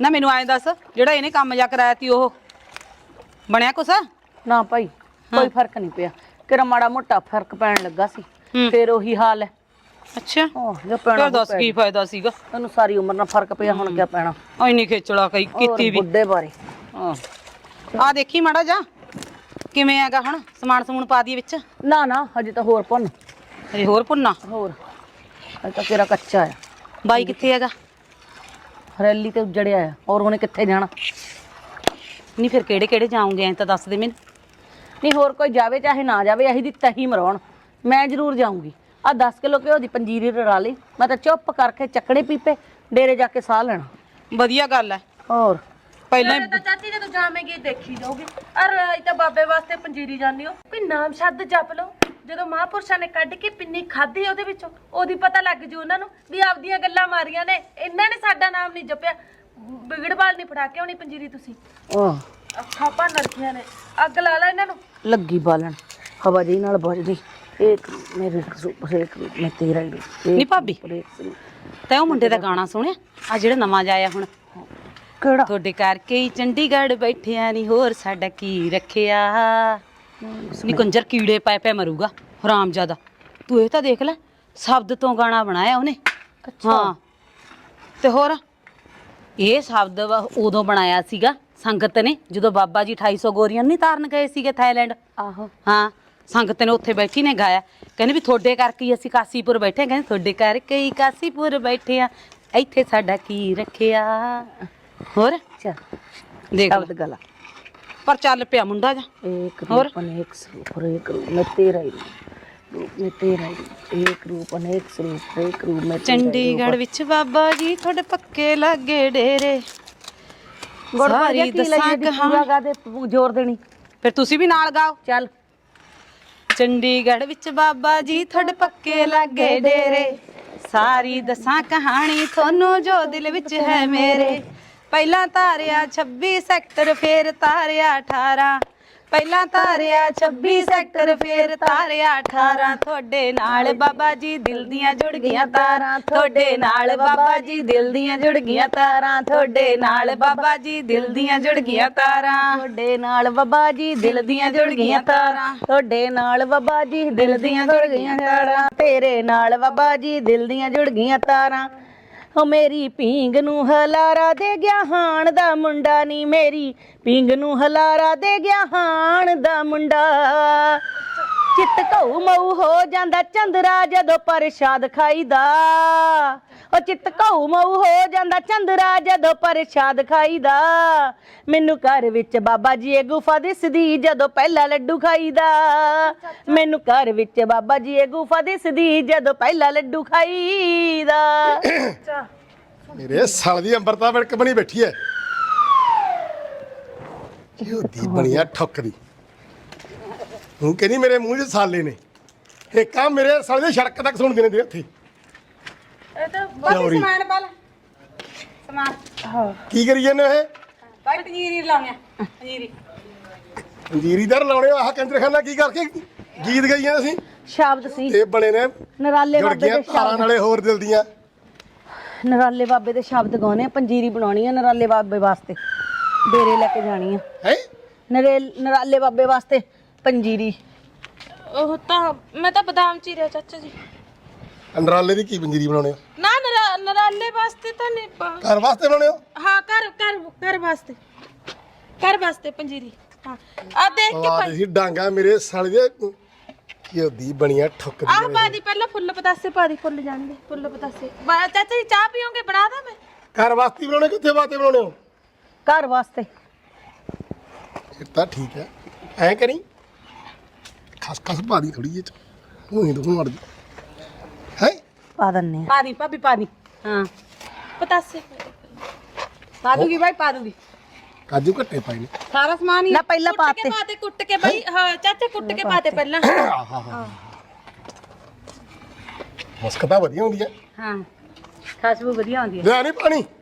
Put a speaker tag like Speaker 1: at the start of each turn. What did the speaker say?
Speaker 1: ਨਾ ਮੈਨੂੰ ਐਂ ਦੱਸ ਜਿਹੜਾ ਇਹਨੇ ਕੰਮ ਜਾ ਕਰਾਇਆ ਤੀ ਉਹ ਬਣਿਆ ਕੁਛ?
Speaker 2: ਨਾ ਭਾਈ ਕੋਈ ਫਰਕ ਨਹੀਂ ਪਿਆ, ਕਿਹੜਾ ਮਾੜਾ ਮੋਟਾ ਫਰਕ ਪੈਣ ਲੱਗਾ ਸੀ, ਫਿਰ ਉਹੀ ਹਾਲ ਹੈ।
Speaker 1: ਅੱਛਾ
Speaker 2: ਜੋ ਪੈਣਾ
Speaker 1: ਦੱਸ ਕੀ ਫਾਇਦਾ ਸੀਗਾ?
Speaker 2: ਤੈਨੂੰ ਸਾਰੀ ਉਮਰ ਨਾਲ ਫਰਕ ਪਿਆ, ਹੁਣ ਕਿਆ ਪੈਣਾ?
Speaker 1: ਇੰਨੀ ਖੇਚਲਾ ਕੀਤੀ ਵੀ
Speaker 2: ਬੁੱਢੇ ਬਾਰੇ।
Speaker 1: ਆ ਦੇਖੀ ਮਾੜਾ ਜਾ ਕਿਵੇਂ ਹੈਗਾ ਹੁਣ, ਸਮਾਨ ਸਮੂਨ ਪਾ ਦੀ ਵਿੱਚ?
Speaker 2: ਨਾ ਨਾ ਹਜੇ ਤਾਂ ਹੋਰ ਭੁੰਨ।
Speaker 1: ਹਜੇ ਹੋਰ ਭੁੰਨਾ?
Speaker 2: ਹੋਰ ਹਜੇ ਤਾਂ ਤੇਰਾ ਕੱਚਾ ਆ।
Speaker 1: ਬਾਈ ਕਿੱਥੇ ਹੈਗਾ?
Speaker 2: ਰੈਲੀ ਤੇ ਉੱਜੜਿਆ ਆ। ਔਰ ਉਹਨੇ ਕਿੱਥੇ ਜਾਣਾ?
Speaker 1: ਨਹੀਂ ਫਿਰ ਕਿਹੜੇ ਕਿਹੜੇ ਜਾਉਂਗੇ ਐਂ ਤਾਂ ਦੱਸ ਦੇ ਮੈਨੂੰ।
Speaker 2: ਨਹੀਂ ਹੋਰ ਕੋਈ ਜਾਵੇ ਚਾਹੇ ਨਾ ਜਾਵੇ, ਇਹੀ ਦੀ ਤਹੀ ਮਰਾਉਣ ਮੈਂ ਜ਼ਰੂਰ ਜਾਊਂਗੀ। ਆ 10 ਕਿਲੋ ਘਿਓ ਦੀ ਪੰਜੀਰੀ ਰਲਾ ਲਈ, ਮੈਂ ਤਾਂ ਚੁੱਪ ਕਰਕੇ ਚੱਕਣੇ ਪੀਪੇ ਡੇਰੇ ਜਾ ਕੇ ਸਾਹ ਲੈਣਾ।
Speaker 1: ਵਧੀਆ ਗੱਲ ਹੈ।
Speaker 2: ਹੋਰ
Speaker 1: ਪਹਿਲਾਂ
Speaker 3: ਤਾਂ ਚਾਚੀ ਜਦੋਂ ਜਾਵੇਂਗੀ ਦੇਖੀ ਜਾਓਗੀ। ਅਰ ਤਾਂ ਬਾਬੇ ਵਾਸਤੇ ਪੰਜੀਰੀ ਜਾਂਦੀ ਹੋ, ਕੋਈ ਨਾਮ ਸ਼ਬਦ ਜਪ ਲਓ। ਜਦੋਂ ਮਹਾਂਪੁਰਸ਼ਾਂ ਨੇ ਕੱਢ ਕੇ ਪਿੰਨੀ ਖਾਧੀ ਉਹਦੇ ਵਿੱਚੋਂ, ਉਹਦੀ ਪਤਾ ਲੱਗ ਜੂ ਉਹਨਾਂ ਨੂੰ ਵੀ ਆਪਦੀਆਂ ਗੱਲਾਂ ਮਾਰੀਆਂ ਨੇ, ਇਹਨਾਂ ਨੇ ਸਾਡਾ ਨਾਮ ਨਹੀਂ ਜਪਿਆ। ਵਿਗੜਵਾਲ ਨਹੀਂ ਫੜਾ ਕੇ ਆਉਣੀ ਪੰਜੀਰੀ ਤੁਸੀਂ। ਅੱਖਾਂ ਭੰਨ ਰੱਖੀਆਂ ਨੇ, ਅੱਗ ਲਾ ਲਾ ਇਹਨਾਂ ਨੂੰ।
Speaker 2: ਲੱਗੀ ਬਾਲਣ ਹਵਾ ਜੀ ਨਾਲ ਬੁਝਦੀ। ਇੱਕ ਮੇਰੇ ਇੱਕ ਮੈਂ ਤੇਰਾ ਹੀ
Speaker 1: ਨਹੀਂ ਭਾਬੀ, ਤੈਂ ਉਹ ਮੁੰਡੇ ਦਾ ਗਾਣਾ ਸੁਣਿਆ ਆ ਜਿਹੜਾ ਨਵਾਂ ਜਾਇਆ ਹੁਣ?
Speaker 2: ਕਿਹੜਾ?
Speaker 1: ਤੁਹਾਡੇ ਕਰਕੇ ਹੀ ਚੰਡੀਗੜ੍ਹ ਬੈਠਿਆ ਨਹੀਂ ਹੋਰ ਸਾਡਾ ਕੀ ਰੱਖਿਆ। ਨੀ ਕੰਜਰ ਕੀੜੇ ਪੈ ਪੈ ਮਰੂਗਾ ਹਰਾਮਜ਼ਾਦਾ। ਤੂੰ ਇਹ ਤਾਂ ਦੇਖ ਲੈ, ਸ਼ਬਦ ਤੋਂ ਗਾਣਾ ਬਣਾਇਆ ਉਹਨੇ। ਹਾਂ ਤੇ ਹੋਰ ਇਹ ਸ਼ਬਦ ਉਦੋਂ ਬਣਾਇਆ ਸੀਗਾ ਸੰਗਤ ਨੇ, ਜਦੋਂ ਬਾਬਾ ਜੀ 2800 ਗੋਰੀਆਂ ਨਹੀਂ ਤਾਰਨ ਗਏ ਸੀਗੇ ਥਾਈਲੈਂਡ।
Speaker 2: ਆਹੋ
Speaker 1: ਹਾਂ ਸੰਗਤ ਨੇ ਉੱਥੇ ਬੈਠੀ ਨੇ ਗਾਇਆ, ਕਹਿੰਦੇ ਵੀ ਤੁਹਾਡੇ ਕਰਕੇ ਹੀ ਅਸੀਂ ਕਾਸੀਪੁਰ ਬੈਠੇ। ਕਹਿੰਦੇ ਤੁਹਾਡੇ ਕਰਕੇ ਹੀ ਕਾਸੀਪੁਰ ਬੈਠੇ ਆ, ਇੱਥੇ ਸਾਡਾ ਕੀ ਰੱਖਿਆ। ਹੋਰ
Speaker 2: ਚੱਲ
Speaker 1: ਦੇਖ
Speaker 2: ਸ਼ਬਦ ਗਲਾ
Speaker 1: ਪਰ ਚੱਲ ਪਿਆ ਮੁੰਡਾ ਜਾ।
Speaker 2: एक रूप अनेक स्वरूप और एक रूप में तेरा ही रूप में तेरा ही एक रूप अनेक स्वरूप एक रूप में
Speaker 1: ਚੰਡੀਗੜ੍ਹ ਵਿੱਚ ਬਾਬਾ ਜੀ ਤੁਹਾਡੇ ਪੱਕੇ ਲੱਗੇ ਡੇਰੇ।
Speaker 2: ਸਾਰੀ ਦੱਸਾਂ ਕਹਾਣੀ ਗਾ ਦੇ ਜ਼ੋਰ ਦੇਣੀ,
Speaker 1: ਫਿਰ ਤੁਸੀਂ ਵੀ ਨਾਲ ਗਾਓ।
Speaker 2: ਚੱਲ
Speaker 1: ਚੰਡੀਗੜ੍ਹ ਵਿੱਚ ਬਾਬਾ ਜੀ ਤੁਹਾਡੇ ਪੱਕੇ ਲੱਗੇ ਡੇਰੇ, ਸਾਰੀ ਦੱਸਾਂ ਕਹਾਣੀ ਤੁਹਾਨੂੰ ਜੋ ਦਿਲ ਵਿੱਚ ਹੈ ਮੇਰੇ। ਪਹਿਲਾਂ ਤਾਰਿਆ 26 ਸੈਕਟਰ ਫੇਰ ਤਾਰਿਆ 18, ਪਹਿਲਾਂ ਤਾਰਿਆ 26 ਸੈਕਟਰ ਫੇਰ ਤਾਰਿਆ 18। ਤੁਹਾਡੇ ਨਾਲ ਬਾਬਾ ਜੀ ਦਿਲ ਦੀਆਂ ਜੁੜ ਗਈਆਂ ਤਾਰਾਂ, ਤੁਹਾਡੇ ਨਾਲ ਬਾਬਾ ਜੀ ਦਿਲ ਦੀਆਂ ਜੁੜ ਗਈਆਂ ਤਾਰਾਂ, ਤੁਹਾਡੇ ਨਾਲ ਬਾਬਾ ਜੀ ਦਿਲ ਦੀਆਂ ਜੁੜ ਗਈਆਂ ਤਾਰਾਂ,
Speaker 2: ਤੁਹਾਡੇ ਨਾਲ ਬਾਬਾ ਜੀ
Speaker 1: ਦਿਲ ਦੀਆਂ ਜੁੜ ਗਈਆਂ ਤਾਰਾਂ,
Speaker 2: ਤੁਹਾਡੇ ਨਾਲ ਬਾਬਾ ਜੀ ਦਿਲ ਦੀਆਂ ਜੁੜ ਗਈਆਂ ਤਾਰਾਂ, ਤੇਰੇ ਨਾਲ ਬਾਬਾ ਜੀ ਦਿਲ ਦੀਆਂ ਜੁੜ ਗਈਆਂ ਤਾਰਾਂ। ਹੋ ਮੇਰੀ ਪੀਂਗ ਨੂੰ ਹਲਾਰਾ ਦੇ ਗਿਆ ਹਾਣ ਦਾ ਮੁੰਡਾ ਨੀ, ਮੇਰੀ ਪੀਂਗ ਨੂੰ ਹਲਾਰਾ ਦੇ ਗਿਆ ਹਾਣ ਦਾ ਮੁੰਡਾ। ਚਿੱਤ ਘਊ ਮਊ ਹੋ ਜਾਂਦਾ ਚੰਦਰਾ ਜਦੋਂ ਪ੍ਰਸ਼ਾਦ ਖਾਈਦਾ, ਉਹ ਚਿੱਤ ਘਊ ਮਊ ਹੋ ਜਾਂਦਾ ਚੰਦਰਾ ਜਦੋਂ ਪ੍ਰਸ਼ਾਦ ਖਾਈਦਾ। ਮੈਨੂੰ ਘਰ ਵਿੱਚ ਬਾਬਾ ਜੀ ਇਹ ਗੁਫਾ ਦਿਸਦੀ ਜਦੋਂ ਪਹਿਲਾ ਲੱਡੂ ਖਾਈਦਾ, ਮੈਨੂੰ ਘਰ ਵਿੱਚ ਬਾਬਾ ਜੀ ਇਹ ਗੁਫਾ ਦਿਸਦੀ ਜਦੋਂ ਪਹਿਲਾ ਲੱਡੂ ਖਾਈਦਾ।
Speaker 4: ਮੇਰੇ ਸਾਲ ਦੀ ਅੰਬਰਤਾ ਵਿੜਕ ਬਣੀ ਬੈਠੀ ਐ, ਦੀ ਬਣੀਆ ਠੁੱਕਦੀ। ਹੁਣ ਕਹਿੰਦੀ ਮੇਰੇ ਮੂੰਹ 'ਚ ਸਾਲੇ ਨੇ, ਇਹ ਕੰਮ ਮੇਰੇ ਸਾਲੇ ਦੇ ਸੜਕ ਤੱਕ ਸੁਣਦੇ ਨੇ ਉੱਥੇ।
Speaker 3: ਇਹ ਤਾਂ
Speaker 4: ਚੌਰੀ
Speaker 1: ਸਮਾਨ ਪਾ ਲੈ ਸਮਾਨ।
Speaker 4: ਕੀ ਕਰੀ ਜਾਂਦੇ ਇਹ?
Speaker 1: ਬਾਈ ਪੰਜੀਰੀ ਲਾਉਣਿਆ ਪੰਜੀਰੀ।
Speaker 4: ਪੰਜੀਰੀਦਾਰ ਲਾਉਣੇ ਆਹ ਕੰਜਰਖਾਨਾ ਕੀ ਕਰਕੇ ਗੀਤ ਗਾਈਆਂ ਅਸੀਂ?
Speaker 2: ਸ਼ਬਦ ਸੀ
Speaker 4: ਇਹ ਬਣੇ ਨੇ
Speaker 2: ਨਰਾਲੇ
Speaker 4: ਜੁੜ
Speaker 2: ਬਾਬੇ
Speaker 4: ਗਈਆਂ
Speaker 2: ਦੇ
Speaker 4: ਤਾਰਾਂ
Speaker 2: ਸ਼ਬਦ,
Speaker 4: ਨਾਲੇ ਹੋਰ ਦਿਲ ਦੀਆਂ।
Speaker 2: ਨਰਾਲੇ ਬਾਬੇ ਦੇ ਸ਼ਬਦ ਗਾਉਣੇ ਆ, ਪੰਜੀਰੀ ਬਣਾਉਣੀ ਆ ਨਰਾਲੇ ਬਾਬੇ ਵਾਸਤੇ, ਡੇਰੇ ਲੈ ਕੇ ਜਾਣੀ ਆ।
Speaker 4: ਹੈ
Speaker 2: ਨਰਾਲੇ ਬਾਬੇ ਵਾਸਤੇ ਪੰਜੀਰੀ।
Speaker 3: ਉਹ ਤਾਂ ਮੈਂ ਤਾਂ ਬਦਾਮ ਚੀਰਿਆ ਚਾਚਾ ਜੀ।
Speaker 4: ਅੰਡਰਾਲੇ ਦੀ ਕੀ ਪੰਜੀਰੀ ਬਣਾਉਣੇ ਹੋ?
Speaker 3: ਨਾ ਨਰਾਲੇ ਵਾਸਤੇ ਤਾਂ ਨਹੀਂ
Speaker 4: ਘਰ ਵਾਸਤੇ ਬਣਾਉਣੇ ਹੋ?
Speaker 3: ਹਾਂ ਘਰ ਵਾਸਤੇ ਪੰਜੀਰੀ। ਹਾਂ ਆ ਦੇਖ ਕੇ
Speaker 4: ਵਾਹ ਤੁਸੀਂ ਡਾਂਗਾ ਮੇਰੇ ਸਾਲੇ ਦੇ ਦੀ ਬਣੀਆਂ ਠੁੱਕਦੀ
Speaker 3: ਆਹ ਪਾ ਦੀ ਪਹਿਲਾਂ ਫੁੱਲ ਪਤਾਸੇ ਪਾ ਦੀ, ਫੁੱਲ ਜਾਣਗੇ ਫੁੱਲ ਪਤਾਸੇ। ਚਾਚਾ ਜੀ ਚਾਹ ਪੀਓਗੇ? ਬਣਾ ਦਾਂ ਮੈਂ?
Speaker 4: ਘਰ ਵਾਸਤੇ ਬਣਾਉਣੇ ਕਿੱਥੇ ਵਾਸਤੇ ਬਣਾਉਣੇ ਹੋ?
Speaker 2: ਘਰ ਵਾਸਤੇ।
Speaker 4: ਇਹ ਤਾਂ ਠੀਕ ਹੈ, ਐਂ ਕਰੀ ਖਸ ਪਾ ਦੀ ਥੋੜੀ ਜਿਹੀ, ਤੂੰ ਹੀ ਤੂੰ ਮਰ ਜਾ ਹੈ।
Speaker 2: ਪਾ ਦਿੰਨੇ ਆ।
Speaker 1: ਪਾ ਦੀ ਭਾਬੀ ਪਾ ਦੀ। ਹਾਂ
Speaker 3: ਪਤਾਸੇ
Speaker 1: ਪਾ ਦੂਗੀ ਬਾਈ ਪਾ ਦੂਗੀ।
Speaker 4: ਕਾਜੂ ਘੱਟੇ ਪਾਏ ਨੇ
Speaker 1: ਸਾਰਾ ਸਮਾਨ ਹੀ
Speaker 2: ਨਾ ਪਹਿਲਾਂ ਪਾਤੇ
Speaker 3: ਕੁੱਟ ਕੇ ਬਈ। ਹਾਂ ਚਾਚਾ ਕੁੱਟ ਕੇ ਪਾਤੇ ਪਹਿਲਾਂ।
Speaker 4: ਮੁਸਕ ਤਾਂ ਵਧੀਆ ਹੁੰਦੀ ਹੈ।
Speaker 1: ਹਾਂ ਖਾਸਬੂ ਵਧੀਆ ਹੁੰਦੀ ਹੈ।
Speaker 4: ਲੈ ਨਹੀਂ ਪਾਣੀ